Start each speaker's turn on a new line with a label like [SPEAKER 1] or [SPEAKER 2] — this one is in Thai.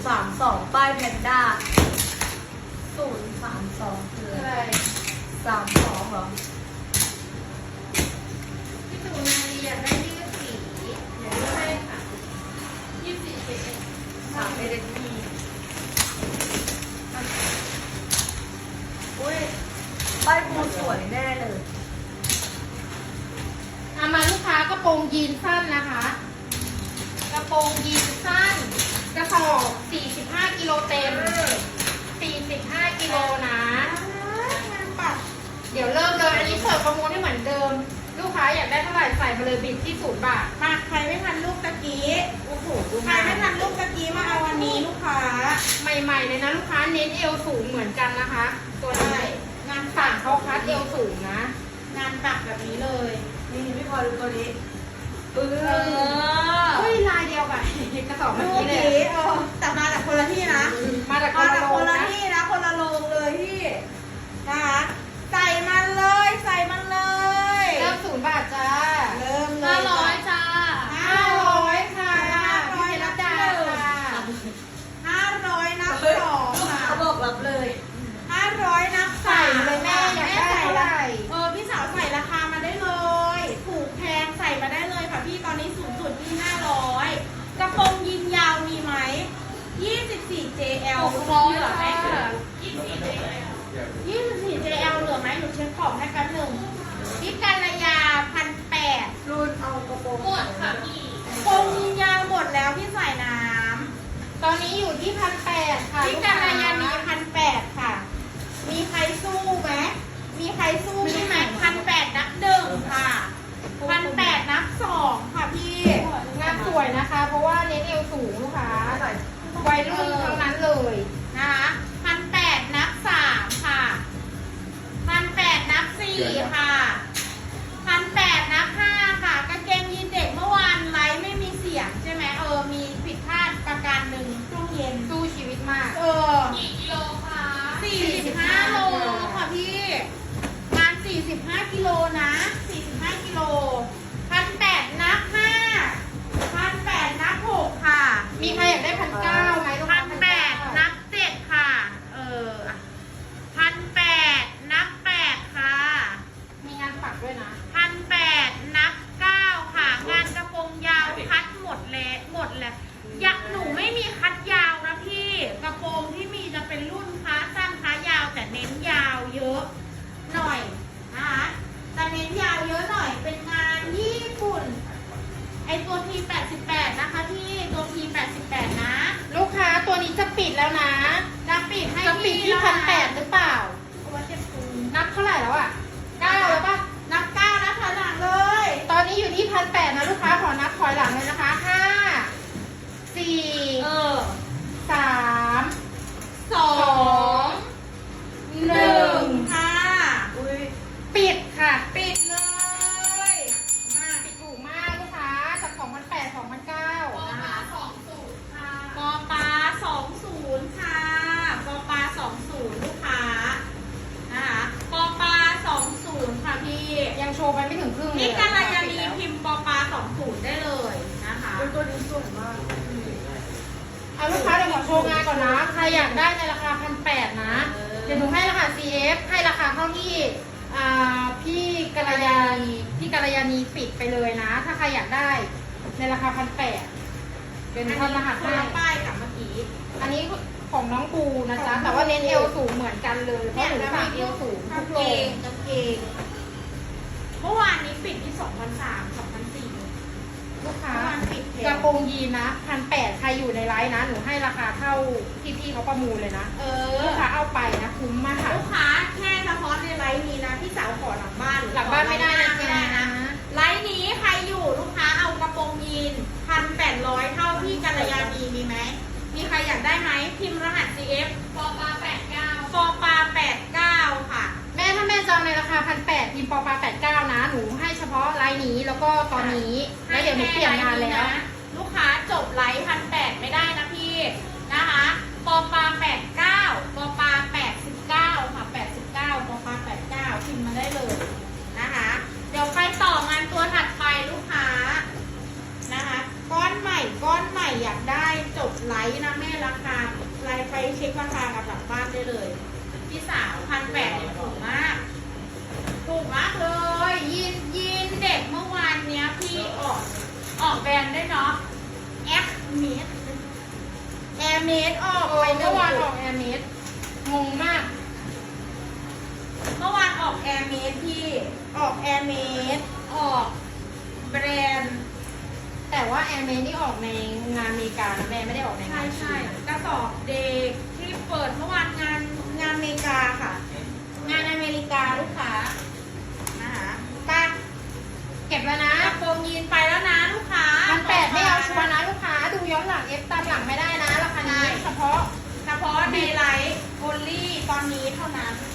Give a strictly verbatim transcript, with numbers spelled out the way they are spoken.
[SPEAKER 1] สามสองป้ายแพนด้าศูนย์สามสองคืออะไรสามสองเหรอ
[SPEAKER 2] พี่สุนารีอยากได้ยี่สิบสี่เดี๋ยวดูให้ค่ะยี่สิบสี่เจ็ด
[SPEAKER 1] สามเอเดนทีอุ้ยป้ายปูสวยแน่เลย
[SPEAKER 2] เอามาลูกค้ากระโปรงยีนสั้นนะคะกระโปรงยีนสั้นกระสอบสี่สิบห้ากิโลเต็มสี่สิบห้ากิโลนะปัดเดี๋ยวเริ่มเลยอันนี้เปิดประมูลให้เหมือนเดิมลูกค้าอยากได้เท่าไหร่ใส่มาเลยบิดที่ศูนย์บาท
[SPEAKER 3] มาใครไม่ทันลูกตะกี้
[SPEAKER 2] โอ้โห
[SPEAKER 3] ใครไม่ทันลูกตะกี้มาเอาวันนี้ลูกค้า
[SPEAKER 2] ใหม่ๆเลยนะลูกค้าเน้นเอวสูงเหมือนกันนะคะตัวนี้งานสั่งเขาคัดเอวสูงนะ
[SPEAKER 3] งานปักแบบนี้เลย
[SPEAKER 1] นี่พี่พลอยดูตัวนี้เอ
[SPEAKER 2] อเฮ้ยลายเดียวกันกระสอบเมื่อกี้เลย
[SPEAKER 3] เออแต่มาจากคนละที่นะ
[SPEAKER 2] มาจาก
[SPEAKER 3] คนละที่นะคนละโรงเลยพี่นะคะใส่มันเลยใส่มันเลย
[SPEAKER 2] เริ่มศูนย์บาทจ้า
[SPEAKER 3] เริ่มเลย
[SPEAKER 2] ห้าร้อยจ้า
[SPEAKER 3] ห้าร้อยค่ะห้าร้อยนับ
[SPEAKER 2] จ้า
[SPEAKER 3] ค่ะห้าร้อยนับสองค่ะ
[SPEAKER 1] เขาบอกรับเลย
[SPEAKER 3] ห้าร้อยนับ
[SPEAKER 2] ใส่เลยแม่อยากได้เท่าไหร่
[SPEAKER 3] เออพี่สาวใส่ราคามาได้เลยถูกแพงใส่มาได้เลยค่ะพี่ตอนนี้สูงสุดที่ห้าร้อยกระโปรงยิงยาวมีไหมยี่สิบสี่ เจ แอล เหลือไหมยี่สิบสี่ เจ แอล ยี่สิบสี่ เจ แอล เหลือไหมหนูเช็คของให้แป๊บหนึ่งพิการระยาพันแปด
[SPEAKER 1] รุ่นเอากระโปรง
[SPEAKER 2] หมดค่ะพี่
[SPEAKER 3] กระโปรงยิงยาวหมดแล้วพี่ใส่น้
[SPEAKER 2] ำตอนนี้อยู่ที่พันแปดค่ะ
[SPEAKER 3] พิการระยานี้พันแปดค่ะมีใครสู้ไหมมีใครสู้ใช่ไหมพันแปดนับหนึ่งค่ะพันแปดนับสองค่ะพี่
[SPEAKER 2] งานสวยนะคะเพราะว่าเน้นเอวสูงลูกค้าวัยรุ่นทั้งนั้นเลย
[SPEAKER 3] นะคะพันแปดนับสามค่ะพันแปดนับสี่ค่ะพันแปดนับห้าค่ะกางเกงยีนเด็กเมื่อวานไลฟ์ไม่มีเสียงใช่ไหมเออมีผิดพลาดประการหนึ่งช่วงเย็น
[SPEAKER 2] สู้ชีวิตมาก
[SPEAKER 3] เออ
[SPEAKER 2] กี่กิโลคะ
[SPEAKER 3] สี่สิบห้าโลค่ะพี่งานสี่สิบห้ากิโลนะสี่สิบห้ากิโลพันแปดนับห้าพันแปดนับหกค่ะ
[SPEAKER 2] มีใครอยากได้พันเก้าไหมลูก
[SPEAKER 3] พันแปดนับเจ็ดค่ะเออพันแปดนับแปดค่ะ
[SPEAKER 2] มีงานปักด้วยนะ
[SPEAKER 3] พันแปดนับเก้าค่ะงานกระโปรงยาวคัดหมดเลยหมดเลยอยากหนูไม่มีคัดยาวนะพี่กระโปรงที่มีจะเป็นรุ่นขาสั้นขายาวแต่เน้นยาวเยอะหน่อยนะคะแต่เน้นยาวเยอะหน่อยเป็นงานญี่ปุ่นไอตัวทีแปดสิบแปดนะคะพี่ตัวทีแปดสิบแปดนะ
[SPEAKER 2] ลูกค้าตัวนี้จะปิดแล้วนะ
[SPEAKER 3] จะปิดให้
[SPEAKER 2] จะปิดที่พันแปดหรือเปล่านับเท่าไหร่แล้วอ่ะเก้าแล้วป่ะ
[SPEAKER 3] นับเก้านะถอยหลังเลย
[SPEAKER 2] ตอนนี้อยู่ที่พันแปดนะลูกค้าขอนับถอยหลังเลยนะคะห้าสี่
[SPEAKER 3] เออ
[SPEAKER 2] สาม
[SPEAKER 3] สองหนึ่งค่ะ
[SPEAKER 1] อุ้ย
[SPEAKER 2] ปิดค่ะ
[SPEAKER 3] ปิดเลย
[SPEAKER 2] มาปิดถูกมากลูกค้าจากสองพันแปดสองพันเก้า
[SPEAKER 3] นะคะสองศูนย์ค่ะปอปลาสองศูนย์ค่ะปอปลาสองศูนย์ลูกค้านะคะปอปลาสองศูนย์ค่ะพี่
[SPEAKER 2] ยังโชว์ไปไม่ถึงครึ่งเลย
[SPEAKER 3] นี่การยานีพิมพ์ปอปลาสองศูนย์ได้เลยนะคะ
[SPEAKER 1] ตัวนี้สวยมาก
[SPEAKER 2] เอาลูกค้าเดี๋ยวขอโชว์งานก่อนนะใครอยากได้ในราคาพันแปดนะเดี๋ยวหนูให้รหัส ซี เอฟ ให้ราคาเท่าที่พี่กัลยาณีพี่กัลยาณีปิดไปเลยนะถ้าใครอยากได้ในราคาพันแปดเป็นทำรหัสให้
[SPEAKER 3] ป้ายกับเมื่อกี้
[SPEAKER 2] อันนี้ของน้องปูนะจ๊ะแต่ว่าเน้นเอวสูงเหมือนกันเลยเพราะหนูสั่งเอวสูงทุกโลง
[SPEAKER 3] กางเกงเมื่อวานนี้ปิดที่สองพันสามสองพันสี่
[SPEAKER 2] ลูกค้ากระโปรงยีนนะพันแปดใครอยู่ในไลน์นะหนูให้ราคาเท่าที่พี่เขาประมูลเลยนะ
[SPEAKER 3] เออ
[SPEAKER 2] ลูกค้าเอาไปนะคุ้มมากค่ะ
[SPEAKER 3] ลูกค้าแค่เฉพาะในไลน์นี้นะพี่สาวขอหลังบ้าน
[SPEAKER 2] หลังบ้านไม่ได้นะ
[SPEAKER 3] ไม่ได้นะไลน์นี้ใครอยู่ลูกค้าเอากระโปรงยีนพันแปดร้อยเท่าพี่กัลยาณีมีไหมมีใครอยากได้ไหมพิมพ์รหัส ซี เอฟ
[SPEAKER 2] ปอปลาแปดเก้า
[SPEAKER 3] ปอปลาแปดเก้าค่ะ
[SPEAKER 2] แม่ถ้าแม่จองในราคาพันแปดพิมพ์ปอปลาแปดเก้านะหนูให้เฉพาะไลน์นี้แล้วก็ตอนนี้แล้วเดี๋ยวหนูเปลี่ยนงานแล้ว
[SPEAKER 3] ลูกค้าจบไลฟ์พันแปดไม่ได้นะพี่นะคะปอปลาแปดเก้าปอปลาแปดสิบเก้าค่ะแปดสิบเก้าปอปลาแปดเก้าพิมพ์มาได้เลยนะคะเดี๋ยวไปต่องานตัวถัดไปลูกค้านะคะก้อนใหม่ก้อนใหม่อยากได้จบไลฟ์นะแม่ราคา
[SPEAKER 2] เมื่อวานออกแอร์เมสงงมาก
[SPEAKER 3] เมื่อวานออกแอร์เมสพี่ออกแอร์เมสออกแบรนด์
[SPEAKER 2] แต่ว่าแอร์เมสนี่ออกในงานอเมริกานะแม่ไม่ได้ออกใน
[SPEAKER 3] ใช่
[SPEAKER 2] งาน
[SPEAKER 3] ใช่กระสอบเด็กที่เปิดเมื่อวานงานงานอเมริกาค่ะ งานอเมริกาลูกค้านะคะไป
[SPEAKER 2] เก็บแล้วนะ
[SPEAKER 3] กระโปรงยีนไปแล้วนะลูกค้า
[SPEAKER 2] พันแปดไม่เอาชัวร์นะลูกค้าดูย้อนหลังเอฟตามหลังไม่ได้นะราคานี้เฉพาะ
[SPEAKER 3] เฉพาะในไลฟ์โอลี่ตอนนี้เท่านั้น